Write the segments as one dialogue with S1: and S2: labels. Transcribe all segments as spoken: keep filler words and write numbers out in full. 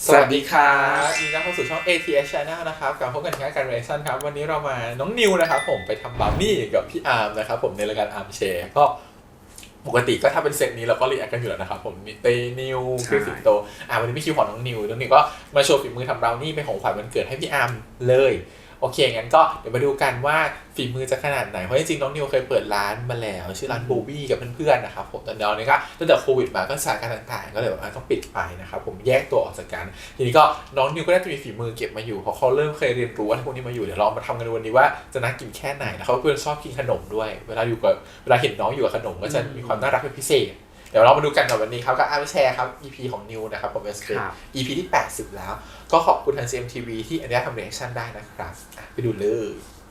S1: สวัสดีครับยินดีต้อนรับเข้าสู่ช่อง เอ ที เอส Channel นะครับกลับพบกันที่การ Reaction ครับวันนี้เรามาน้องนิวนะครับผมไปทำบราวนี่กับพี่อาร์มนะครับผมในรายการอาร์มแชร์ก็ปกติก็ถ้าเป็นเซตนี้เราก็รีแอคกันอยู่แล้วนะครับผมมีเตนิวคริสสิงโตอ่าวันนี้พี่คิวของน้องนิวน้องนิวก็มาโชว์ฝีมือทำบราวนี่เป็นของขวัญวันเกิดให้พี่อาร์มเลยโอเคงั้นก็เดี๋ยวมาดูกันว่าฝีมือจะขนาดไหนเพราะจริงๆน้องนิวเคยเปิดร้านมาแล้วชื่อร้านบูบี้กับเพื่อนๆนะครับผมแต่ตอนนี้ก็ตั้งแต่โควิดมาก็สถานการณ์ต่างๆก็เลยแบบต้องปิดไปนะครับผมแยกตัวออกจากกันทีนี้ก็น้องนิวก็ได้จะมีฝีมือเก็บมาอยู่เพราะเขาเริ่มเคยเรียนรู้ว่าพวกนี้มาอยู่เดี๋ยวเรามาทำกันวันนี้ว่าจะน่ากินแค่ไหนแล้วเขาเพื่อนชอบกินขนมด้วยเวลาอยู่กับเวลาเห็นน้องอยู่กับขนมก็จะมีความน่ารักเป็นพิเศษเดี๋ยวเรามาดูกันกับวันนี้ครับกับอาร์มแชร์ครับ อี พี ของนิวนะครับผมเป็น อี พี ที่แปดสิบแล้วก็ขอบคุณทาง ซี เอ็ม ที วี ที่อนุญาตทำ reaction ได้นะครับไปดูเลย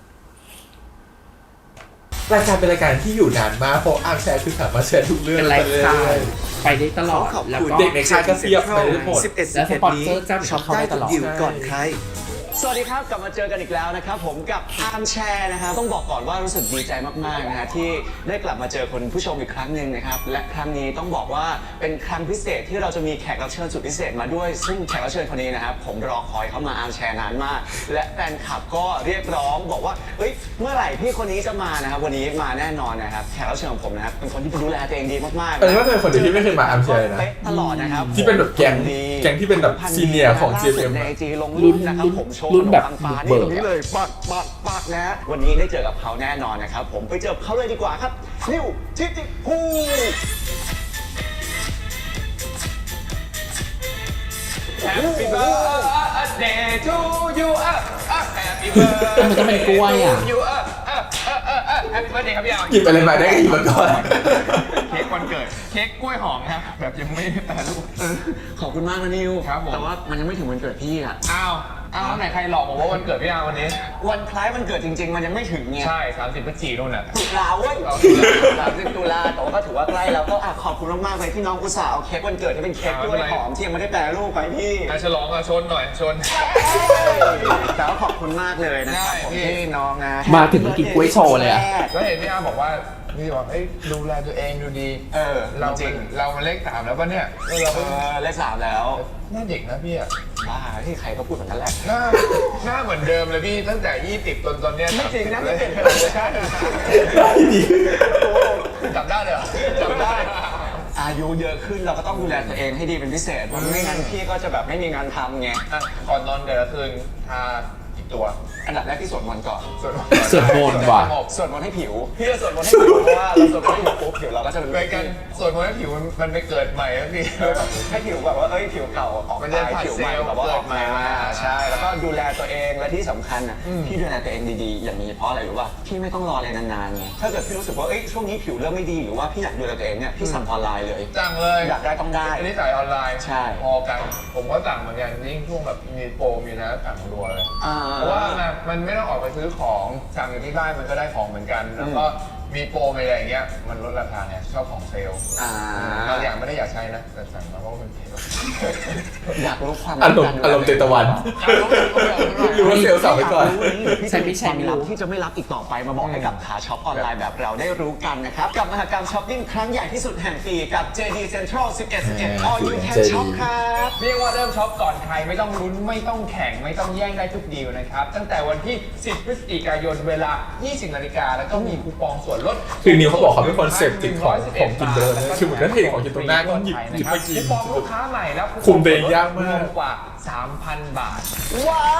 S1: รายการเป็นรายการที่อยู่นานมากเพราะอาร์มแชร์คือสามารถแชร์ทุกเรื่อง
S2: เป็นไลฟ์สไตล์ไปได้ตลอดแล้วก็
S1: เด็กในค่ายก็เพียบไปได้หมด
S3: สิบเอ็ด
S2: แล้วสปอนเซอร์
S3: นี้
S2: เจ้าช็อปเข้าได้ตลอด
S3: ดิวก่อนใครสวัสดีครับกลับมาเจอกันอีกแล้วนะครับผมกับอาร์มแชร์นะครับต้องบอกก่อนว่ารู้สึกดีใจมากๆนะฮะที่ได้กลับมาเจอคนผู้ชมอีกครั้งหนึ่งนะครับและครั้งนี้ต้องบอกว่าเป็นครั้งพิเศษที่เราจะมีแขกรับเชิญสุดพิเศษมาด้วยซึ่งแขกรับเชิญคนนี้นะครับผมรอคอยเขามาอาร์มแชร์นานมากและแฟนคลับก็เรียกร้องบอกว่าเฮ้ยเมื่อไหร่พี่คนนี้จะมานะครับวันนี้มาแน่นอนนะครับแขกรับเชิญของผมนะครับเป็นคนที่ดูแลตัวเองดีมากๆ
S1: เออว่าเป็นคนเดียวที่ไม่เคยมาอาร์มแชร์เลยนะ
S3: เป๊ะตลอดนะครับ
S1: ที่เป็นแบบแก๊งแก๊งที่เป็นแบบซีเนียร์ของ จี เอ็ม
S3: ในไอจีลงรูปนะครับผมโชว์
S2: รุ่นแบบ
S3: ขมปังฟ้า
S2: บุกเบิก
S3: นี่ตรงนี้เลยปักปักปักนะวันนี้ได้เจอกับเขาแน่นอนนะครับผมไปเจอเขาเลยดีกว่าครับนิวทิติภูHappy birthday to you อ่ะอ่ะ Happy birthday
S2: มันต้องเป็นกล้วยอ่ะ
S3: to you อ่ะอ่ะอ่ะอ่ะอ่ะ Happy birthday ครับพี่อาร์ม
S1: หยิบอะไรมาได้ก็หยิบมาก่อน
S3: เค้กวันเกิดเค้กกล้วยหอมครับแบบยังไม่แปรรูปขอบคุณมากนะนิวครับผมแต่ว่ามันยังไม่ถึงวันเกิดพี่อ่ะ
S4: อ้าวอ้าวไหนใครหลอกบอกว่าวันเกิดพี่อาร์วันนี้
S3: วันคล้ายวันเกิดจริงๆ มันยังไม่ถึงไง
S4: ใช่ สามสิบ พฤศจิกายนนู่นน่ะ
S3: ตุลาเว้ยสามสิบตุลาแต่ว่าก็ถือว่าใกล้แล้วก็อ่ะขอบคุณมากๆเลยที่น้องอุตส่าห์เอาเค้กวันเกิดที่เป็นเค้กกล้วยหอมที่ยังไม่ได้แปรรูปไปพี่
S4: อ่ะฉลองอ่ะชนหน่อยชน
S3: แต่ว่าขอบคุณมากเลยนะครับผม
S4: ได้พี่
S3: ที่น้องนะ
S2: มาถึงกินกล้วยโชว์เลยอะ
S4: แล้วเห็นพี่อาร์บอกว่าพี่บอกเอ้ยดูแลตัวเองดูดี
S3: เออ
S4: เรา
S3: จริง
S4: เรามาเลขสามแล้วป่ะเนี่ยเออเรา
S3: เออเลขสามแล้ว
S4: หน้าเด็กนะพี่อ่ะ
S3: บ้าที่ใครก็พูดแบบนั้นแหละ
S4: หน้าหน้าเหมือนเดิมเลยพี่ตั้งแต่ยี่สิบจนตอนเนี้ย
S3: ไม่จริงนะ
S4: เล
S3: ไม่
S4: ย
S3: เปลี่ยนเลยใช่
S4: จำได้เลยเหรอ
S3: จำได้ อายุเยอะขึ้นเราก็ต้องดูแลตัวเองให้ดีเป็นพิเศษเพราะไม่งั้นพี่ก็จะแบบไม่มีงานทำไง
S4: อ่ะก่อนนอนแต่ละคืนทากี่ตัว
S3: อันดับแรกที่สวดมนต์ก่อน
S4: ส่วน
S2: ส่วนบนว่ะ
S3: สวดมนต์ให้ผิวพี่จะสวดมนต์ให้ผิวเพราะว่าเราสวดมนต์ให้ผิวปุ๊บผิวเราก็จะ
S4: ไปกันส่วนคนที่ผิวมันมันไปเกิดใหม่แล้วพี่
S3: ให้ผิวแบบว่าเอ้ยผิวเก่าออก
S4: มัน
S3: ไป
S4: จะผัด
S3: ผิวใหม่
S4: เซลล์
S3: แบบว่าออกมา
S4: เกิดใหม่มา
S3: ใช่แล้วก็ดูแลตัวเองและที่สำคัญอ่ะพี่ดูแลตัวเองดีๆอย่างนี้เพราะอะไรรู้ป่ะพี่ไม่ต้องรออะไรนานๆไงถ้าเกิดพี่รู้สึกว่าเอ้ยช่วงนี้ผิวเริ่มไม่ดีหรือว่าพี่อยากดูแลตัวเองเนี่ยพี่สั่งออนไลน์เลย
S4: สั่งเลย
S3: อยากได้ต้องได้
S4: อันนี้จ่ายออนไลน์
S3: ใช่
S4: พอกัน ผมก็สั่งเหมือนกันยิ่งช่วงแบบมีโปรมีนะสั่งรัวเลย
S3: อ่า
S4: เพราะว่ามันไม่ต้องออกไปซื้อของสั่งอยู่ที่บ้านมันก็ได้ของเหมือนกัน แล้วก็มีโปรมีอะไรอย่างเงี้ยมันลดราคาเนี่ยชอบของเซลล์
S3: อ่า
S4: บางอย่างไม่ได้อยากใช้นะแต่สั่งมาเพราะมันเซลล์
S3: อยากรู้ความ
S1: อารมณ์อารมณ์เตตะวัน หรือว่าเซลล์สั่งไว้ก่อน
S2: ใช่ไม่ใช่
S3: ความ
S2: ไม่
S3: ลับ
S2: รู้
S3: ที่จะไม่รับอีกต่อไปมาบอกให้กับขาช็อปออนไลน์แบบเราได้รู้กันนะครับ กับมหกรรมช้อปปิ้งครั้งใหญ่ที่สุดแห่งปีกับ เจ ดี Central สิบเอ็ด สิบเอ็ด All You Can Shop ครับ
S4: เรียกว่าเริ่มช็อปก่อนใครไม่ต้องลุ้นไม่ต้องแข่งไม่ต้องแย่งได้ทุกดีลนะครับ ตั้งแต่วันที่ สิบ พฤศจิกายนเวลา ยี่สิบ นาฬิกาแล้วก็มีคูปองส่วนลด
S1: คือนิวเขาบอกเขาเป็นคนเสพติดของของกินเดินนะคือเหมือนถ้าเห็นของกินตรงหน้าก็หยิบหยิบไปกิน
S4: คูปองลูกค้าใหม่แล้ว
S1: คุมตัวเองยากมาก
S4: รวกว่า สามพัน บาท
S3: ว้าว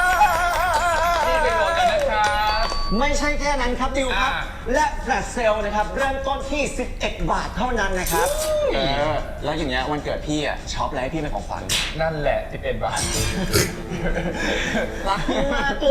S4: นี่เป็นโหมดกันนะครับ
S3: ไม่ใช่แค่นั้นครับดิวครับ
S4: อ่า
S3: และแฟลชเซลนะครับ เริ่มต้นที่ สิบเอ็ด บาทเท่านั้นนะครับเออแล้วอย่างเงี้ยวันเกิดพี่อ่ะช็อปอะไรให้พี่เป็นของขวัญ
S4: นั่นแหละ สิบเอ็ด บาท
S3: รักพี่มากเลย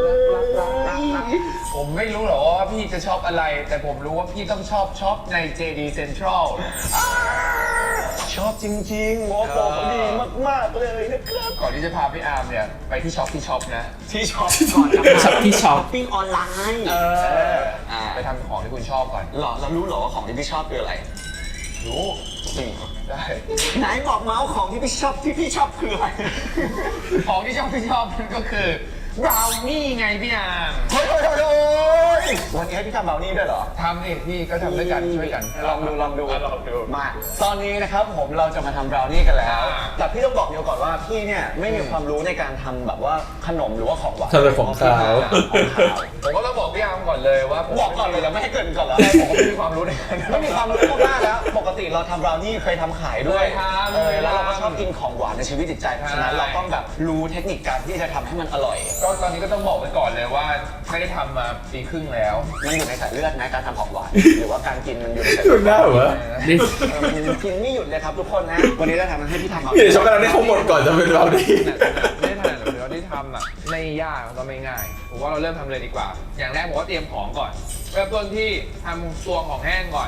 S4: ผมไม่รู้หรอกว่าพี่จะชอบอะไร แต่ผมรู้ว่าพี่ต้องชอบช็อปใน เจ ดี Central
S3: ชอบจริงๆโมโปเขาดีมากๆเลยนะครับ
S4: ก่อนที่จะพาพี่อาร์มเนี่ยไปที่ช็อปที่ช็อปนะ
S3: ที่ช็อปก่อนจะ
S2: ช็อปที่ช็อป
S3: ปิ้งออนไลน์
S4: เออ
S3: อ่า
S4: ไปทำของที่คุณชอบก่อน
S3: หรอเรารู้เหรอว่าของที่พี่ชอบคืออะไร
S4: รู้
S3: จริงเหรอ
S4: ได้
S3: ไหนบอกเมาส์ของที่พี่ชอบที่พี่ชอบคืออะไร
S4: ของที่ชอบที่ชอบนั่นก็คือบราวนี่ไงพี่อาร์ม
S3: เฮ้ยเฮ้ยเฮ้ยวันนี้ให้พี่ทำเบลนี่ด้วยเหรอ
S4: ทำเองพี่ก็ทำด้วยกันช่วยกัน
S3: ลองดูลองดู
S4: ะลองดู
S3: มาตอนนี้นะครับผมเราจะมาทำบราวนี่กันแล้ว
S4: อ่า
S3: แต่พี่ต้องบอกเดียวก่อนว่าพี่เนี่ยไม่มีความรู้ในการทำแบบว่าขนมหรือว่าของหวาน
S1: ทำเป็นของขาว
S3: ของขาว
S4: ผมก็ต้องบอกพี่อาร์มก่อนเลยว่าผม
S3: บอกก่อนเลยแล้วไม่ให้เกรินก่อนแล้ว
S4: ใช่ผมก็ไม่มีความรู้ในการ
S3: ไม่มีความรู้มากแล้ว ปกติเราทำบราวนี่เคยทำขายด้วย
S4: เคยทำ
S3: เออแล้วเราก็ชอบกินของหวานในชีวิตจิตใจเพราะฉะนั้น
S4: ใช่
S3: เราต้องแบบรู้เทคนิคการที่จะทำให้มันอร่อย
S4: ก็ตอนนี้ก็ต้องบอกไว้ก่อนเลยว่าไม่ได้ทำมาปีครึ่งแล้ว
S3: มันอยู่ในสายเลือดนะการทำของหวาน หรือว่าการกินมันอยู่ในสาย
S1: คุ
S3: เลื
S1: ณหน้าเหรอวะ
S2: นี่
S3: เออมันกินไม่หยุดเลยครับทุกคนนะ วันนี้จะทำให้พี่ทำ
S1: เดี๋ยวช็อกโกแลตให้เขาหมดก่อนจะเป็นเราดี
S4: ไม่ทันหรือเราได้ทำอ่ะไม่ยากแล้วก็ไม่ง่ายผมว่าเราเริ่มทำเลยดีกว่า อย่างแรกผมก็เตรียมของก่อนเริ่มต้นที่ทำตัวของแห้งก่อน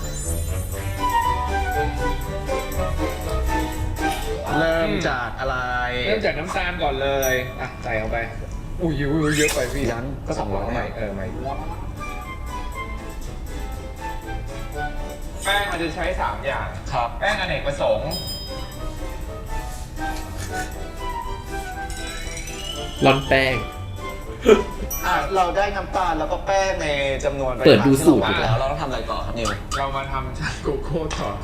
S3: เริ่มจากอะไร
S4: เริ่มจากน้ำตาลก่อนเลยอ่ะใส่เข้าไปอุ้ยอุ้ยเยอะไปพี่
S3: ยันก็สองร้อย
S4: ใหม่เออใหม่แป้งมันจะใช้สามอย่าง
S3: ครับ
S4: แป้งอเนกประสงค์
S2: ร้อนแป้ง
S3: อ่ะเราได้น้ำตาลแล้วก็แป้งในจำนวน
S2: เปิดดูสูตร
S3: ที่เราวางแล้วเราต้องทำอะไรต่อครับนิว
S4: เรามาทำชาโกโก้ต่อ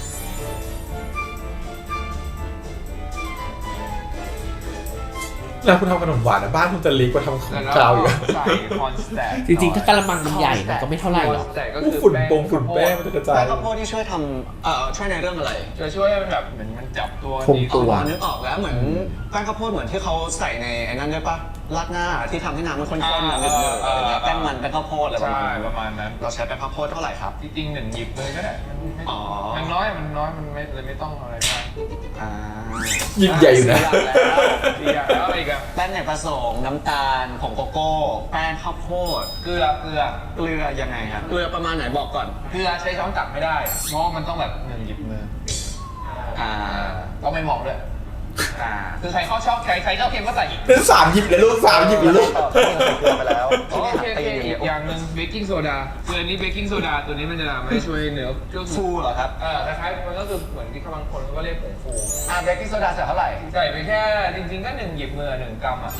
S1: แล้วคุณทำขนมหวานนะบ้านคุณจะลีกว่าทำของ
S4: แล้ว
S1: ขาว
S4: เรา
S1: อยู่
S4: ใส่คอนสแตน
S2: จริงๆ ถ้ากระมังมันใหญ่มันก็ไม่เท่าไหร่หรอก
S4: แต่ก็
S1: อู้
S4: คือ
S1: ฝุ่นโปงฝุ่นแป้งมันจะกระจาย
S3: แป้งข้าวโพดที่ช่วยทำเอ่อช่วยในเรื่องอะไร
S4: จะช่วยให้มันแบบเหมือนมันจับตัว
S2: คงตัว
S3: อ๋อนึกออกแล้วเหมือนแป้งข้าวโพดเหมือนที่เขาใส่ในไอ้นั่นด้วยปะราดหน้าที่ทำให้น้ำมันข้นๆมันเนืดๆอะไรเงี้ยแป้งมันแป้งข้าวโพดอะไรประ
S4: ใช่
S3: มาณนั้น
S4: ประมาณนั้น
S3: เราใช้แป้งข้าวโพดเท่าไหร่ครับ
S4: จริงๆหนึ่งหยิบเลยก็ได้มันไม่
S3: อ๋อ
S4: มันน้อยมันน้อยมันไม่เลยไม่ต้องอะไรมาก
S3: อ่า
S1: ยิ่งใหญ่อยู่นะ
S4: ดีอ่ะแล้วอะไรอีกอ่ะ
S3: แป้งในผสมน้ำตาลผงโกโก้ แป้งข้าวโพด
S4: เกลือเกลือ
S3: เกลือยังไงครับเกลือประมาณไหนบอกก่อน
S4: เกลือใช้ช้อนตักไม่ได้เพราะว่ามันต้องแบบหนึ่งหยิบมือ
S3: อ่า
S4: ต้องไม่มองด้วย
S3: อ่า
S4: คือใครเขาชอบใครใครชอบเค็มก็ใส่อีก
S1: เป็นสามหยิบเลยลูกสามหยิบเลยลูก
S3: ที่เราใส่เกลือไปแล้ว
S4: โอ
S3: ที่นี่
S4: เค
S3: หัก
S4: โอ
S3: ตี
S4: เค
S3: น
S4: อีกอย่างหนึ่งเบกกิ้งโซดาเกลือนี้เบกกิ้งโซดาตัวนี้มันจะทำให้ช่วยเนื้อเครื่อง
S3: ฟูเหรอครับ
S4: เออคล้ายๆมันก็คือเหมือนที่บางคนเขาก็เรียกผงฟู
S3: อ่าเบกกิ้งโซดาใส่เท่าไหร่
S4: ใส่ไปแค่จริงๆก็หนึ่งหยิบมือหนึ่งกรัมอ่ะ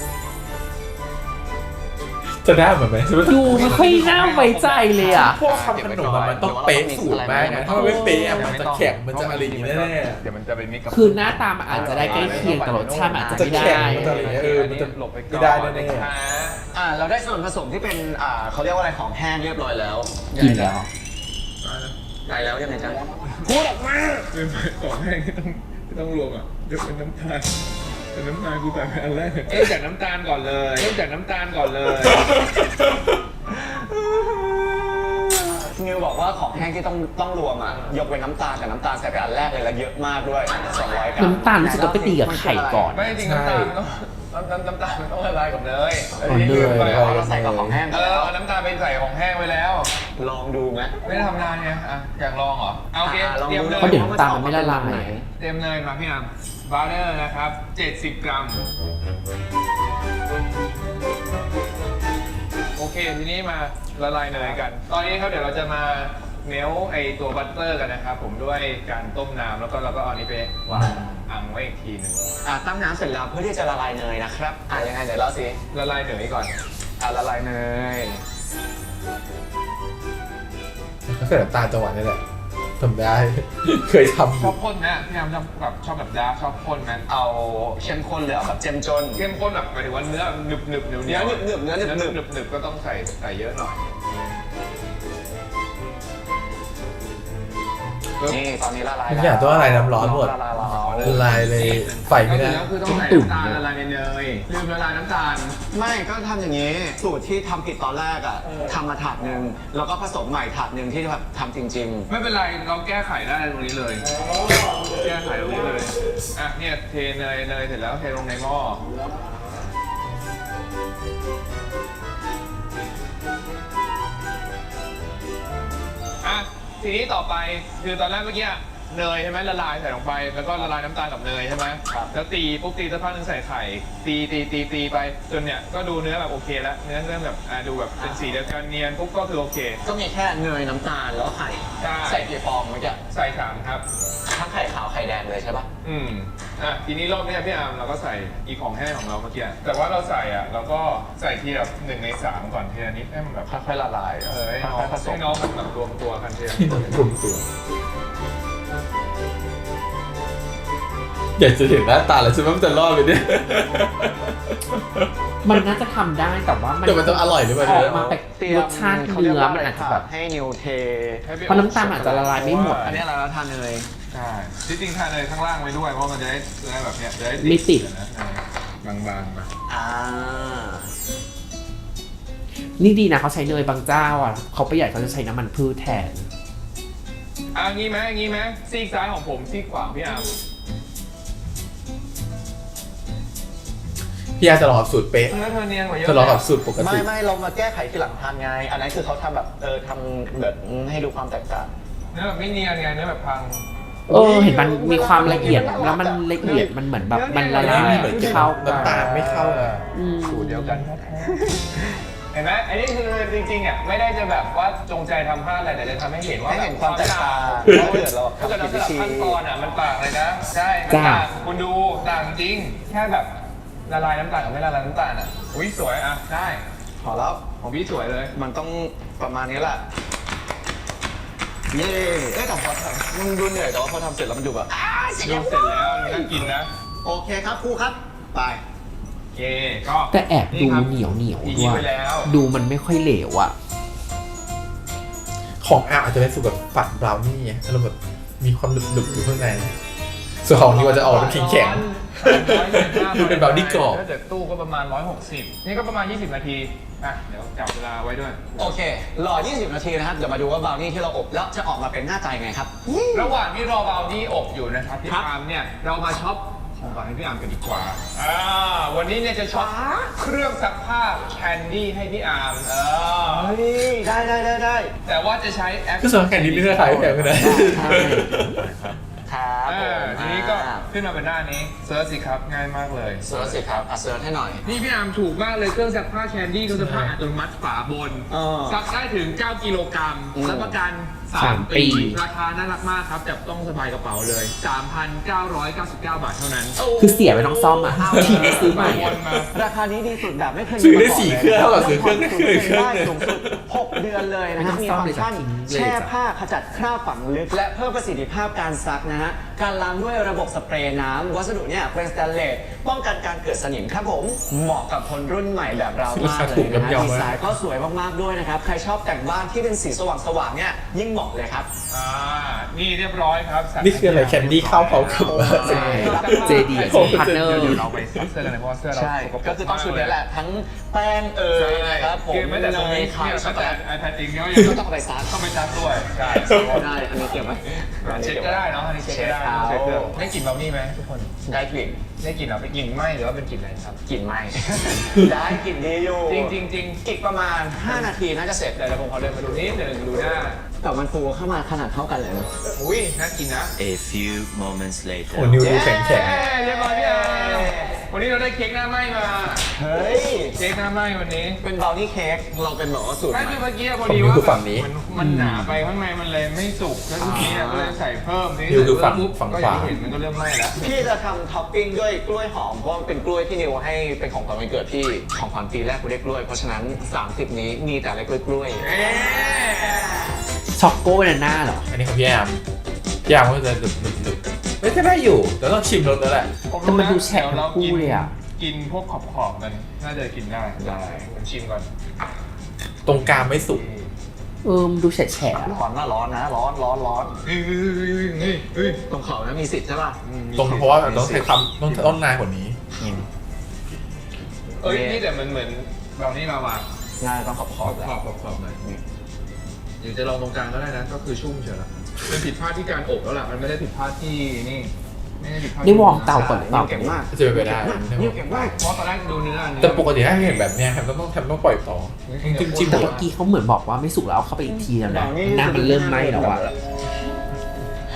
S1: จะได้เหมือนไหม
S2: ดูไม่ค่อยน่าไว้ใจเลยอ่ะ
S1: พวกทำขนมอะมันต้องเป๊ะสูตรมากนะถ้ามันไม่เป๊ะอะมันจะแข็งมันจะอะไรอย่างงี้แน่
S4: เดี๋ยวมันจะไปมิกกับ
S2: คือหน้าตามันอาจจะได้ใกล้เคียงแต่รสชาติมันอาจจะไม่ได้
S1: มันจะอะไรอย่างเงี้ยเออมันจะ
S4: หลบไปก่อน
S1: ไม่ได้แน่
S4: นะคะ
S3: อ่าเราได้ส่วนผสมที่เป็นอ่าเขาเรียกว่าอะไรของแห้งเรียบร้อยแล้ว
S2: กินแล้ว
S3: ได้แล้วยังไงจ๊ะ
S4: พูดออกมาเป็นของแห้งที่ต้องที่ต้องรวมอ่ะยกเป็นน้ำตาลเป็นน้ำตาลกูใส่ไปอันแรกเริ่มจากน้ำตาลก่อนเลยเริ่มจากน้ำตาลก่อนเลย
S3: นิวบอกว่าของแห้งที่ต้องต้องรวมอ่ะยกเว้นน้ำตาลแต่น้ำตาลใส่ไปอันแรกเลยแล้วเยอะมากด้วยสองร้อยกรัม
S2: น้ำตาลรู้สึกต้องไปตีกับไข่ก่อน
S4: ไม่จริงน้ำตาลมันต้องน้ำน้ำน้ำตาลมันต้องละลายกับเนย
S2: อ๋อเนย
S4: ไป
S3: อ๋อเราใส่กับของแห้งไป
S4: เออ
S3: แล้ว
S4: เอาน้ำตาลไปใส่ของแห้งไว้แล้ว
S3: ลองดูไหม
S4: ไม่ได้ทำนานไงอ่ะอยากลองเหรอเอาโอเค
S3: อ่าลอง
S4: เตรียม
S3: ดู
S4: เนย
S2: เพราะเดี๋ยวน้ำตาลมันไม่ละลาย
S4: เตรียมเนยมาพี่อามบาร์เนอร์นะครับเจ็ดสิบกรัมโอเคทีนี้มาละลายเนยกัน ตอนนี้ครับเดี๋ยวเราจะมาเมลไอตัวบัตเตอร์กันนะครับผมด้วยการต้มน้ำแล้วก็เราก็เอาอันนี้ไปวางอังไว้อีกทีหนึง
S3: อ่าตั้งน้ำเสร็จแล้วเพื่อที่จะละลายเนยนะครับอ่ายังไงเดี๋ยวเล่าสิ
S4: ละลายเนยก่อน
S3: อ่าละลายเนย
S1: ๆก็ใส่น้ำตาลจังหวะนี้แหละทำได้ เคยทำอ
S4: ชอยู่ บข้นนะพี่ยามชอบแบบชอบแบบดาร์กชอบข้นไหม
S3: เอาเข้มข้นเลยเอาแบบเจ้มจน
S4: เข้มข้นแบบหมายถึงว่าเนื้อหนึบหนึบเหนียวเหนี
S3: เนื้
S4: ย
S3: อ
S4: ว
S3: หนึบหนึบเนื้อหนึบหนึบ
S4: หนึบหนึบก็ต้องใส่ใส่เยอะหน่อย
S3: นี่ตอนนี้ละลาย
S1: ทุกอย่างต้องละลายน้ำร้อนหมด
S3: ละลายร้อน
S1: ละลายเลยไฟไม่ได้
S4: ก็คือต้องใส่
S2: ตุ่ม
S4: น้ำตาลละลายในเนยลืมละลายน้ำตาล
S3: ไม่ก็ทำอย่างนี้ สูตรที่ทำผิดตอนแรกอ่ะทำมาถาดหนึ่งแล้วก็ผสมใหม่ถาดหนึ่งที่แบบทำจริง
S4: ไม่เป็นไรเราแก้ไขได้ตรงนี้เลย แก้ไขตรงนี้เลยอ่ะเนี่ยเทเนยเนยเสร็จแล้วเทลงในหม้ออ่ะทีนี้ต่อไปคือตอนแรกเมื่อกี้เนยใช่ไหมละลายใส่ลงไปแล้วก็ละลายน้ำตาลกับเนยใช่ไหมแล้วตีปุ๊บตีสักพักหนึงใส่ไข่ตีตีตีตีไปจนเนี่ยก็ดูเนื้อแบบโอเคแล้วเนื้อเริ่มแบบอ่าดูแบบเป็นสีเดียวกันเนียนปุ๊บก็คือโอเค
S3: ก็มีแค่เนยน้ำตาลแล้วก็ไข่
S4: ใช่
S3: ใส่กี่ฟองเมื่อกี้
S4: ใส่สามครับ
S3: ทั้งไข่ขาวไข่แดงเลยใช่ปะ
S4: อืมอ่ะทีนี้รอบเนี้ยพี่อาร์มเราก็ใส่อีของแห้งของเราเมื่อกี้แต่ว่าเราใส่อ่ะเราก็ใส่ทีแบบหนึ่งในสามก่อนทีละนิดให้มันแบบ
S3: ค่อยๆละลาย
S4: เออให้น้อง
S3: ค่อยๆผสม
S4: ให้น้องมันแบบรวมตัวกันทีละ
S1: ที่มันกลุ่มตัวอยากจะเห็นหน้าตาแล้วใช่ไหมมันจะรอดไปเนี่ย
S2: มันน่าจะทำได้แต่ว่ามัน
S1: แต่มันจะอร่อยหรือเปล่า
S2: อ
S1: เนี่
S2: อกมาแปลกรสชาติเนื้อมันอาจจะแบบ
S3: ให้นิวเท
S2: เพราะน้ำตาลอาจจะละลายไม่หมด
S3: อันนี้อะไรเราทานเนย
S4: ใช่ที่จริงทานเลยข้างล่างไว้ด้วยเพราะมันจะได้จะได้แบบเนี้ยจะได้
S2: ไม่ติด
S4: นะบางๆไป
S3: อ่า
S2: นี่ดีนะเขาใช้เนยบางเจ้าอ่ะเขาประหยัดเขาจะใช้น้ำมันพืชแทน
S4: อ่ะงี้ไหมงี้ไหมซีกซ้ายของผมซีกขวาของพี่อาร์ม
S1: พี่อาจะลองกับสูตรเป๊ะ
S4: เนื้อเธอเนียนกว่าเยอะ
S1: จะลองกับสูตรปก
S3: ไม่
S1: ติ
S3: ไม่เรามาแก้ไขทีหลังทานไง อันนั้นคือเขาทำแบบเออทำแบบให้ดูความแตกต่าง
S4: เนื้อแบบไม่เนียนไงเนื้อแบบพัง
S2: เออเห็นมันมีความละเอียดแล้วมันละเอียดมันเหมือนแบบมันละลาย
S1: ไม่เหมือนกัน
S2: เข้ากั
S1: น้ำตาลไม่เข้ากัน
S2: อืม
S4: สูตรเดียวกันเห็นไหมอันนี้คือจริงๆอ่ะไม่ได้จะแบบว่าจงใจทำพลาดอะไรแต่จะทำให้เห็นว่า
S3: ให้เห็นความแตกต่าง
S4: เพ
S3: ถ้า
S4: ราะ
S3: เกิดเรา
S4: ถ้าเกิดเรา
S3: ทำ
S4: ส
S3: ผิด
S4: ลับ
S3: วิธี
S4: ขั้นตอนอ่ะมันต่างเลยนะใช่มันต่างคุณดูต่างจริงแค่แบบละลายน้ำตาลกับไม่ละลายน้ำตาลอ่ะอุ้ยสวยอ่ะได้
S3: พอแล้ว
S4: ของพี่สวยเลย
S3: มันต้องประมาณนี้แหละ เย้เอ้ยแต่พอทำมันดูเหนื่อยแต่ว่าพอทำเสร็จแล้วมันดูแบบอ้าเสร็จ
S4: ดู
S3: แล้ว
S4: เสร็จแล้วน่ากินนะ
S3: โอเคครับครูครับ ไป
S4: โอเคก็
S2: แต่แอบดู
S4: ครับ
S2: เหนียวเหนียว
S4: อีก
S2: ด้ว
S4: ไป
S2: ย
S4: แล้ว
S2: ดูมันไม่ค่อยเหลวอ่ะ
S1: ของอาอาจจะเป็นสูตรแบบฝันบราวนี่อารมณ์แบบมีความหนึบๆอยู่ข้างในส่วนของนี้ว่าจะออกเป็นแข็งๆเป็นบราวนี่กรอบ
S4: ถ้าเกิดตู้ก็ประมาณร้อยหกสิบนี่ก็ประมาณยี่สิบนาทีอ่ะเดี๋ยวจับเวลาไว้ด้วย
S3: โอเค รอ ยี่สิบ นาทีนะครับ เดี๋ยวมาดูว่าบราวนี่ที่เราอบแล้วจะออกมาเป็นหน้าตายังไงครับ
S4: ระหว่างที่รอบราวนี่อบอยู่นะครับพี่
S3: ครับ
S4: อาร์มเนี่ยเรามาช็อปของฝากให้พี่อาร์มกันดีกว่าอ่าวันนี้เนี่ยจะช็อปเครื่องซักผ้าแคนดี้ให้พี่อาร์มเออ
S3: เฮ้ย ได้ได้ได้ได้
S4: แต่ว่าจะใช้แอป
S1: ก็สำหรับแข่งนี้ไม่ได้ขายแพงกันนะ
S3: ครับ
S4: เอ
S3: ผ
S4: อ
S3: ม
S4: ทีนี้ก็ขึ้นมาเป็นหน้านี้เซิร์ชสิครับง่ายมากเลย
S3: เซิร์ชสิครับอ่ะเซิร์ชให้หน่อย
S4: นี่พี่อาร์มถูกมากเลยเครื่องซักผ้าแคนดี้เครื่องซักผ้าอัตโนมัติฝาบน
S3: อ๋อ
S4: ซักได้ถึง เก้า กิโลกรัม
S3: อืม
S4: รับประกัน
S2: สา
S4: สาม ม
S2: ปี
S4: ปี ราคาน่ารักมากครับจับต้องสบายกระเป๋าเลย สามพันเก้าร้อยเก้าสิบเก้า บาทเท่านั้น
S2: คือเสียไปต้องซ่อมอ่ะทีนี้ซื้อใหม่
S4: ว
S2: อะ
S4: นมา
S3: ราคานี้ดีสุดแบบไม่เคยมี
S1: ซื้อได้
S3: มาก่น
S1: สี่
S3: ลย
S1: เครื่องเท่ากับซื้อเครื่อง
S3: ผ่น
S1: หนึ่งเครื่อง
S3: ได้สูงสุดหกเดือนเลยนะครับ
S2: ไม่
S3: มี
S2: ต้อง
S3: ฟังก์ชัน
S2: ซ่อมเลยจ้ะ
S3: แช่ผ้าขจัดคราบฝังลึก และเพิ่มประสิทธิภาพการซักนะฮะ การล้างด้วยระบบสเปรย์น้ำวัสดุเนี่ยเป็นสแตนเลสป้องกันการเกิดสนิมครับผม เหมาะกับคนรุ่นใหม่แบบเรามากเลยนะฮะดีไซน์ก็สวยมากๆด้วยนะครับ ใครชอบแต่งบ้านที่เป็นสีสว่างๆเนี่ยยิ่งเหมาะเลยครับ
S4: อ่า นี่เรียบร้อยครับสั่ง
S1: นี่คืออะไรแคนดี้ข้าวเผาขม
S2: ใช่ เจ ดี
S1: โอ้
S2: พาร์ทเนอร์
S4: เดี๋ยวเราไปซักเสื้อกันเลยเพราะว่าเสื้อเรา
S3: ใช่
S4: สกปร
S3: ก็คือต้องชุดนี้แหละ ทั้งแป้งเอ่
S4: ใช่
S3: ยนะครับผม
S4: คือแม้แต่ตรง
S3: เน
S4: นี้
S3: ยไข่
S4: เนี่ย
S3: ช็อกโก
S4: แต่
S3: แลต
S4: ไอแพดจริงเนี่ยยัง
S3: ก็ต้องเอาไปซัก
S4: ต้องไปซักด้วยใช่
S3: ได้ อันนี้เก็บไว้
S4: เช็คก็ได้เนาะอันนี้เช็คก็ได้
S3: เช็ค
S4: เช็ค
S3: เอา
S4: เครื่องได้กลิ่นเบลนี่ไหมทุกคน
S3: ได้กลิ่น
S4: ได้กลิ่นเหรอเป็นกลิ่นไหมหรือว่าเป็นกลิ่นอะไรครับ
S3: กลิ่นไหม ได้กลิ่นดีอยู่
S4: จริงจริงจริง
S3: อีกประมาณ ห้า นาทีน่าจะเสร็จ
S4: เดี๋ยวผมขอเดินมาดูนิดหนึ่งดูหน้า
S3: แต่มันฟูเข้ามาขนาดเท่ากันเลยนะ
S4: อุ้ยน่ากินนะ
S5: A few moments
S1: โอ้
S5: later.
S1: นิวดูแข็งแข็ง
S4: เย้เรียบร้อยพี่อาร์มวันนี้เราได้เค้กหน้าไหมมา
S3: เฮ้ย
S4: เค้กหน้าไหมวันนี้
S3: เป็นบราวนี่เค้ก เราเป็นแบบว่าสูตร
S4: ไม่
S3: ใหม่
S4: คือเมื่อกี้พอดีว่ามันมันหนาไปข้างในมันเลยไม่สุกแล้วทีนี้ก็เลยใส่เพิ่มนี่ก็อย่างที่เห็นมันก็เริ่มไหม้แล้ว
S3: พี่จะทำท็อปปิ้งด้วยกล้วยหอม เพราะมันเป็นกล้วยที่นิวให้เป็นของขวัญวันเกิดพี่ ของขวัญปีแรกกูได้กล้วย เพราะฉะนั้น สามสิบ นี้มีแต่อะไรกล้วยกล้วย
S4: เอ๊ะ
S2: ช็อกโกบานาน่าเหรอ
S1: อันนี้ของพี่แอมพี่แอมก็จะดึบดึบดึบไม่ก็ได้อยู่เดี๋ยวต้องชิมรสแล้วแหละ
S2: แต่มันดูแฉะทั้งคู่เลยอะ
S4: กินพวกขอบขอบๆมันน่าจะกินได้ได้ผมชิมก่อน
S1: ตรงกลางไม่สุก
S2: เออมันดูแฉะแฉะ
S3: ร้อนนะร้อนนะ ร้อนร้อนร้อน
S4: เฮ้ยเฮ้ยเฮ้ยเฮ้ยเฮ้ย
S3: ตรงเขานะมีสิทธิ์ใช่ป่ะ
S1: ตรงเพราะว่าต้องใช้ความต้องต้องนานกว่านี้
S4: เอ้ยนี่แต่มันเหมือนเรานี่มาวาง
S3: ง่ายต้องขอบข
S4: ข
S3: อ
S4: อ
S3: บบ แหละ
S4: ขอบขอบขอบหน่อยหรือจะลองตรงกลางก็ได้นะก็คือชุ่มเฉยละเป็นผิดพลาดที่การอบแล้วล่ะมันไม่ได้ผิดพลาดที่นี่ไม่ได้ผิดพลาด
S2: นี่วอร์มเตาก่อนหรือเปล่า
S3: เก่งมาก
S1: จะเป็นไปได้
S3: นิวเก่งมาก
S4: เพราะตอนแรกดูเนื้อเนื้อ
S1: แต่ปกติถ้าเห็นแบบเนี้ยแฮมต้องต้องแฮมต้องปล่อยต่อจิ้มจิ้ม
S2: แต่เมื่อกี้เขาเหมือนบอกว่าไม่สุกแล้วเอาเข้าไปอีกทีแล้วนะน้ำมันเริ่มไหม้แล้วอะ
S3: ฮ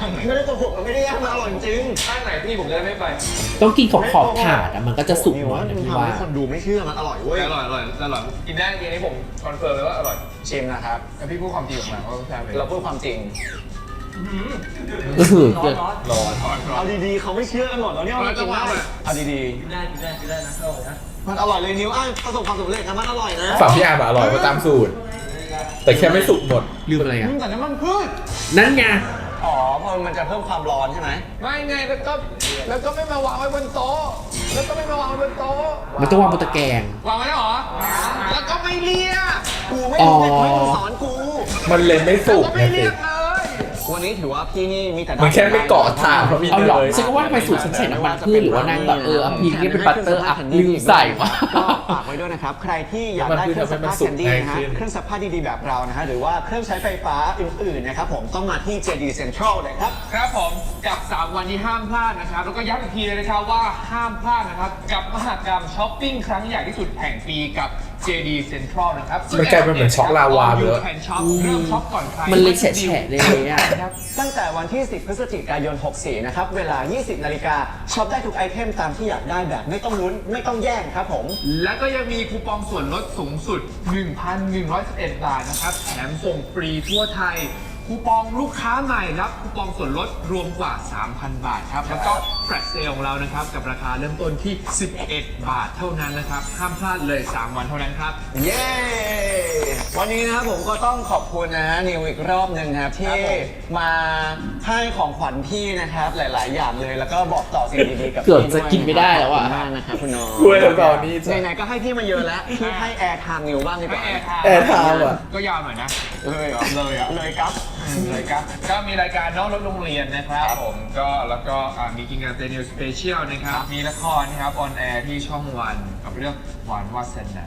S3: ไม่ได้โกหกมันไม่ได้แย่งมันอร่อยจริง
S4: ข้างไหนพี่ผมจะได้ไม่ไป
S2: ต้องกินขอบขอบถาดอะมันก็จะสุกหน่อยนะพี่ว่า
S3: ทำให้คนดูไม่เชื่อมันอร่อยเว้ย
S4: อร่อยอร่อยอร่อยกินได้จริงๆนี่ผมคอนเฟิร์มเลยว่าอร่อย
S3: ชิมนะครับ
S4: แล้วพี่พูดความจริงออกมาว่าใช่ไหม
S3: เราพูดความจริง
S2: ก็คือเกิด
S4: ร้อนร้อนร้อน
S3: เอาดีๆเขาไม่เชื่อกันหมดแล้วเนี่ยว่ามันกินได้เอาดี
S5: กินได้กินได้กินได้นะอร่อยนะ
S3: ๆมันอร่อยเลยนิ้วอ้าวประสบความสำเร็จนะมันอร่อยนะ
S1: ฝั่งพี่อาร์มอะอร่อยกว่าตามสูตร แต่แค่ไม่สุกหมด
S2: ลืมอะไรอ่ะ
S3: อืมแต่น้ำมันพืช
S2: นั่นไง
S3: อ๋อเพราะมันจะเพิ่มความร้อนใช่ไหม
S4: ไม่ไงแล้วก็แล้วก็ไม่มาวางไว้บนโต๊ะแล้วก็ไม่มาวางไว้บนโต๊ะ
S2: มันต้องวางบนตะแกรง
S4: วางไว้แล้วเหรอแล้วก็ไม่เรียก
S3: กูไม่รู้ไม่ไม่ต้องสอนกู
S1: มันเลยไม่สุก
S4: ก็
S1: ไง
S4: ไม่
S1: สิ
S4: เรียกเลย
S3: วันนี้ถือว่าพี่นี่มีแต่
S1: มันแค่ไม่เกาะถาดเพราะมี
S2: เอา
S1: เน
S2: หรอย ฉันก็ว่าทำไมสูตรฉันใส่น้ำมันพืชหรือว่านางแบบเออเอาพีนี่เป็นบัตเตอร์อ่ะลืมใส่วะ
S3: ก็ฝากไว้ด้วยนะครับ ใครที่อยากได้เครื่องซักผ้าแคนดี้นะฮะเครื่องซักผ้าดีๆแบบเรานะฮะหรือว่าเครื่องใช้ไฟฟ้าอื่นๆนะครับผมต้องมาที่ เจ ดี Central เลยครับ
S4: ครับผมกับสามวันที่ห้ามพลาดนะครับแล้วก็ย้ำอีกทีเลยนะครับว่าห้ามพลาดนะครับกับมหกรรมช้อปปิ้งครั้งใหญ่ที่สุดแห่งปีกับ เจ ดี Central นะครับ
S1: มันกลายเป็นเหมือนช็อกลาวาไปแล้ว
S4: แคนช็อปเริ่มช็อปก่อนใคร
S2: มันเลยแฉะๆเลยอ่ะ
S3: ตั้งแต่วันที่ สิบ พฤศจิกายน หกสี่ นะครับ เวลา ยี่สิบ นาฬิกาช็อปได้ทุกไอเทมตามที่อยากได้แบบไม่ต้องลุ้น ไม่ต้องแย่งครับผม
S4: แล้วก็ยังมีคูปองส่วนลดสูงสุด หนึ่งพันหนึ่งร้อยสิบเอ็ด บาทนะครับแถมส่งฟรีทั่วไทย คูปองลูกค้าใหม่รับคูปองส่วนลดรวมกว่า สามพัน บาทครับ แล้วก็แฟลชเซลของเรานะครับ กับราคาเริ่มต้นที่ สิบเอ็ด บาทเท่านั้นนะครับ ห้ามพลาดเลย สาม วันเท่านั้นครับ
S3: เย้ วันนี้นะครับผมก็ต้องขอบคุณนะฮะนิวอีกรอบหนึ่งนะครับที่มาให้ของขวัญพี่นะครับหลาย ๆ อย่างเลยแล้วก็บอกต่อสิ่งดีๆกับ
S2: เกือบ
S3: พี่
S2: จะ
S3: ด้วย
S2: กินไม่ได้แล้วอะ
S3: ขบคุณมากนะครับคุณน้อง
S1: กล้วยแล้วตอนนี้จ้ะ
S3: ไหนๆก็ให้พี่มาเยอะแล้วพี่ให้แอร์ไทม์นิวบ้างดีกว่า
S4: แอร์ไทม์
S1: แอร์ไทม์อะ
S4: ก็ยาวหน่อยนะ
S3: เลยเหรอ
S4: เลยอ่ะ
S3: เลยครับ
S4: เลยครับ ก็มีรายการน้องรถโรงเรียนนะครับผมก็แล้วก็อ่ามีกิจกรรมเตนิวสเปเชียลนะครับ มีละครนะครับออนแอร์ที่ช่องวันกับเรื่องหวานวาสนา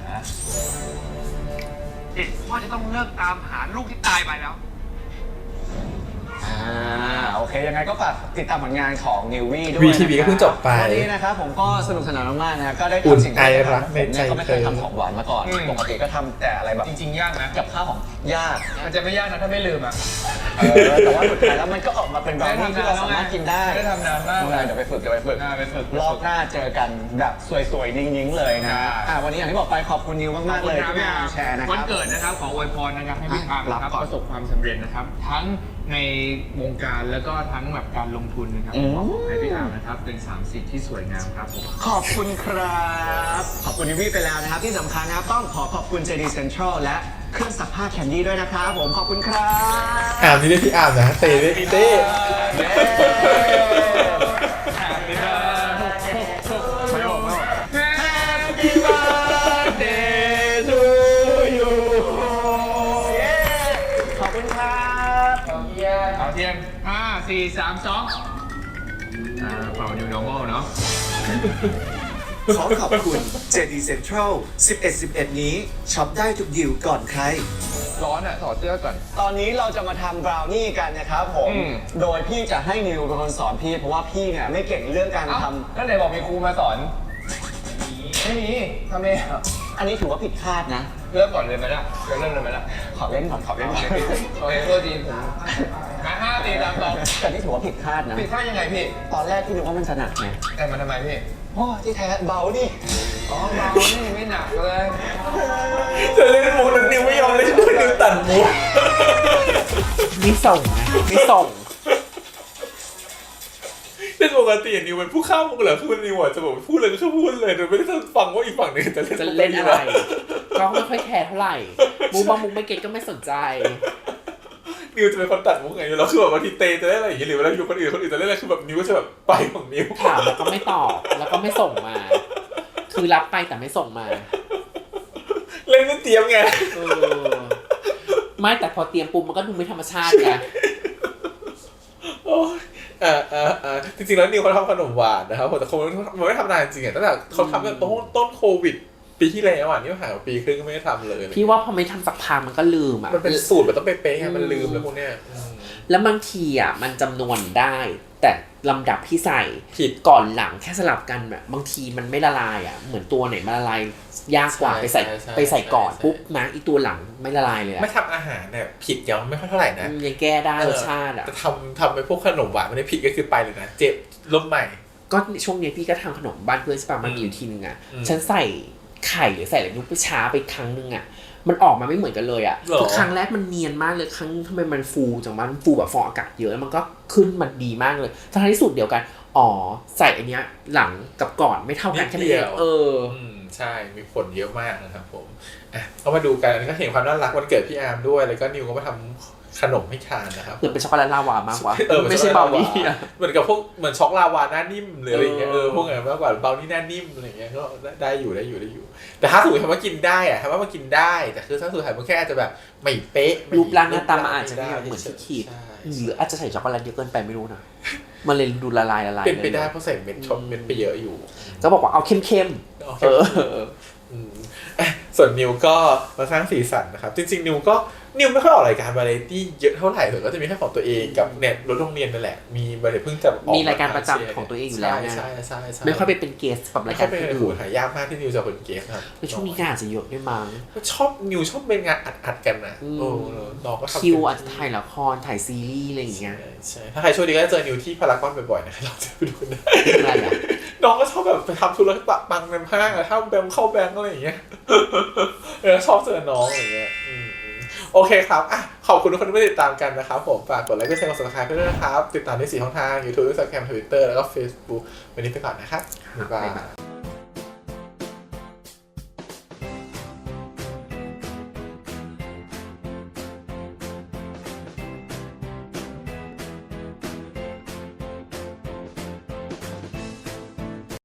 S4: เด็กพ่อจะต้องเลิกตามหาลูกที่ตายไปแล้ว
S3: อ่าโอเคยังไงก็ฝากติดตามผลงานของนิววี่ด้วย
S1: วี ที วี ก็เพิ่งจบไป
S3: วันนี้นะครับผมก็สนุกสนานมากๆนะครับก็ได้
S1: อุ่น
S3: ทำสิ่งที่
S1: ไอ
S3: ไม่เคย
S1: รัก
S3: ทำ
S1: ใน
S3: ผมเนี่ย
S1: ใจ
S3: ก็ไม่เคยทำของหวานมาก่อน
S4: อืม
S3: ปกติก็ทำแต่อะไรแบบ
S4: จริงๆ ยากนะ
S3: กับข้าวของยาก
S4: มันจะไม่ยากนะถ้าไม่ลืมอ่ะ
S3: เออแต่ว่าสุดท้ายแล้วมันก็ออกมาเป็นบราวนี่ที่เราสามารถกินได้
S4: ไม่ได้ทำนานมาก
S3: เดี๋ยวไปฝึกเดี๋ยวไปฝึก
S4: อ่าไปฝึก
S3: รอบหน้าเจอกันแบบสวยๆนิ่งๆเลยนะ
S4: อ่า
S3: อ่าวันนี้อย่างที่บอกไปขอบคุณนิวมากๆเลยที่มาแชร์นะค
S4: วัน
S3: รับ
S4: เกิดนะครับขออวยพรนะครับให้พี่อาร์ม
S3: รับ
S4: นะครับ
S3: ก่อน
S4: ประสบความสำเร็จนะครับ ทั้งในวงการแล้วก็ทั้งแบบการลงทุนนะครับ
S3: อืม
S4: ขอให้พี่อาร์มนะครับเป็นสามสิทธิ์ที่สวยงามครับผม
S3: ขอบคุณครับ ขอบคุณนิววี่ไปแล้วนะครับ ที่สำคัญนะครับต้องขอขอบคุณ เจ ดี Central และเครื่องซักผ้าแคนดี้ด้วยนะครับผมขอบคุณครับ
S1: อาร์มนี่ได้พี่อาร์มนะเต้ได้พี่เต้
S3: เย้ Happy birthday to you เย้ขอบคุณครับ
S4: เอาเทียมห้าสี่สามสองอ่าเป่า new normal เนาะ
S6: ขอขอบคุณ เจ ดี Central สิบเอ็ด สิบเอ็ด นี้ช็อปได้ทุกดิวก่อนใคร
S4: ร้อนอ่ะถอดเสื้อก่อน
S3: ตอนนี้เราจะมาทำบราวนี่กันนะครับผม
S4: อืม
S3: โดยพี่จะให้นิวเป็นคนสอนพี่ เพราะว่าพี่เนี่ยไม่เก่งเรื่องการ
S4: เอ้า
S3: ท
S4: แล้วไหนบอกมีครูมาสอน ไม่มีทำไมอ่ะ
S3: ำอันนี้ถือว่าผิดคาดนะ
S4: เริ่มก่อนเลยไหมล่ะเริ่มเลยไหมล่ะ
S3: ขอเล่นก่อนขอเล่นก่อน
S4: โอเคโทษทีผมมาห้าสี่สามสอง
S3: แต่นี่ถือว่าผิดคาดนะ
S4: ผิดท่ายังไงพี่
S3: ตอนแรกพี่นึกว่ามันจะหนักไง
S4: แต่มันทำไมพี่
S3: โอ้ที่แท้เบาดิ
S4: อ๋อเบานี่ไม่หนักเลย
S1: จะเล่นมุกแล้วนิวไม่ยอมเล่นด้วยนิวตัดมุก
S2: มีส่งไงมีส่ง
S1: เล่นปกตินิวเป็นผู้ข้ามมุกเหรอคือนิวอ่ะจะบอกพูดเลยก็คือพูดเลยโดยไม่ได้ฟังว่าอีกฝั่งหนึงจะเล่น
S2: จะเล่นอะไร ก็ไม่ค่อยแคร์เท่าไหร่มุกบางมุกไม่เก็ตก็ไม่สนใจ
S1: นิวจะเป็นคนตัดมุกไงแล้วคือแบบบางทีเตจะเล่นอะไรอย่างเงี้ยหรือเวลาอยู่คนอื่นคนอื่นจะเล่นอะไรคือแบบนิวก็จะแบบไปของนิว
S2: ถามแล้วก็ไม่ตอบแล้วก็ไม่ส่งมา คือรับไปแต่ไม่ส่งมา
S1: เล่นไม่เตรียมไง
S2: เออไม่แต่พอเตรียมปุ๊บมันก็ดูไม่ธรรมชาติไง
S1: โอ้ยอ่าอ่าอ่าจริงๆแล้วนิวเขาทำขนมหวานนะครับแต่เขามันไม่ทำนานจริงอ่ะตั้งแต่เขาทำตั้งแต่ต้นต้นโควิด ปีที่แล้วอ่ะนี่ผ่านมาปีครึ่งก็ไม่ได้ทำเลย
S2: พี่ว่าพอไม่ทำสักพักมันก็ลืมอ่ะ
S1: มันเป็นสูตรแบบต้องเป๊ะๆไงมันลืมแล้วพวกเนี้ยอืม
S2: แล้วบางทีอ่ะมันจำนวนได้แต่ลำดับที่ใส่
S1: ผิด
S2: ก่อนหลังแค่สลับกันแบบบางทีมันไม่ละลายอ่ะเหมือนตัวไหนมันละลายยากกว่า
S1: ใช่
S2: ไปใส่
S1: ใช่ใช่
S2: ไปใส่ก่อน
S1: ใช่
S2: ปุ๊บนะอีตัวหลังไม่ละลายเลยอะ
S1: ไม่ทำอาหารเนี่ยผิดยังไม่ค่อยเท่าไหร่นะ
S2: ยังแก้ได้
S1: เออ
S2: รสชาติอ่ะ
S1: แต่ทำทำไปพวกขนมหวานไม่ได้ผิดก็คือไปเลยนะเจ็บล้มใหม่
S2: ก็ช่วงนี้พี่ก็ทำขนมบ้านเพื่อนใช่ปะมันมี
S1: อืม
S2: อยู่ทีนึงอ่ะ
S1: อืม
S2: ฉันใส่ไข่หรือใส่อะไรนุ๊กไปช้าไปครั้งนึงอ่ะมันออกมาไม่เหมือนกันเลยอ่ะ
S1: หรอ
S2: คือครั้งแรกมันเนียนมากเลยครั้งทำไมมันฟูจังวะมันฟูแบบฟองอากาศเยอะแล้วมันก็ขึ้นมันดีมากเลยทั้งที่สูตรเดียวกันอ๋อใส่อันเนี้ยหลังกับก่อนไม่เท่ากันแค่นั้นเองเออ
S1: อืมใช่มีผลเยอะมากนะครับผมอ่ะก็มาดูกันอันนี้ก็เห็นความน่ารักวันเกิดพี่อาร์มด้วยแล้วก็นิวก็มาทำขนมให้ทานนะครับ
S2: เหมือนเป็นช็อกโกแลตลาวามากกว่า
S1: เออ
S2: ไม่ใช่เบานี่อะ
S1: เหมือนกับพวกเหมือนช็อกลาวาหน้านิ่มหรืออะไรอย่างเงี้ย
S2: เอ
S1: เอ
S2: อ
S1: อพวกนั้นมากกว่าเบานี่หน้านิ่มอะไรอย่างเงี้ยก็ได้อยู่ได้อยู่ได้อยู่ แต่ถ้าสมมติทำว่ากินได้อะทำว่ามันกินได้แต่คือถ้าสุดท้ายมันแค่อาจจะแบบไม่เป๊ะไม่
S2: รูปร่างหน้าตามันอาจจะไม่เหมือนที่คิด
S1: ใช่
S2: หรืออาจจะใส่ช็อกโกแลตเยอะเกินไปไม่รู้นะมันเลยดูละลายละลาย
S1: เป็นไปได้
S2: ลย
S1: เพราะใส่เม็ดช็อกเม็ดไปเยอะอยู่
S2: ก็บอกว่าเอาเข้มๆ
S1: โอเค
S2: เออ
S1: อืมอ่ะส่วนนิวก็มาสร้างสีสันนะครับ จริงๆ นิวก็นิวไม่ค่อยออกรายการวาไรตี้เยอะเท่าไหร่เลยก็จะมีแค่ของตัวเองกับเน็ตรถโรงเรียนนั่นแหละ มีวาไรเพิ่งจะออก
S2: มีรายการประจำของตัวเองอยู่แล้วไง
S1: ใช่ใช่ใช่
S2: ไม่ค่อยไปเป็นเกสกับ
S1: ไม่
S2: ราย
S1: ค่
S2: กา
S1: อ
S2: ร
S1: ยเป็น
S2: อื่
S1: หู
S2: น
S1: หายากมากที่นิวจะเป็นเกสครับ
S2: ในช่วงนี้งานอาจจะเยอะด้วยมั้ง
S1: ชอบนิวชอบเป็นงานอัดๆกันนะ
S2: อืม
S1: โอ้น้องก็ทำ
S2: คิวอาจจะถ่ายละครถ่ายซีรีส์อะไรอย่างเงี้ย
S1: ใช่ใช่ถ้าใครช่วยดีก็จะเจอนิวที่พารากอนบ่อยๆนะเราจะไปดูกันได้
S2: อะไรอ่ะ
S1: น้องก็ชอบแบบไปทำธุรกิจปังในห้างอะถ้าแบงค์เข้าแบงค์อะไรอย่างเงี้ย เออชอบเจอน้องอะไรอย่างเงี้ยอืมอืมโอเคครับอ่ะขอบคุณทุกคนที่ติดตามกันนะครับผมฝากกดไลค์กดแชร์กด ซับสไครบ์ ด้วยนะครับ ติดตามได้สี่ช่องทาง YouTube Instagram Twitter แล้วก็ Facebook วันนี้ไปก่อนนะครับบ๊ายบาย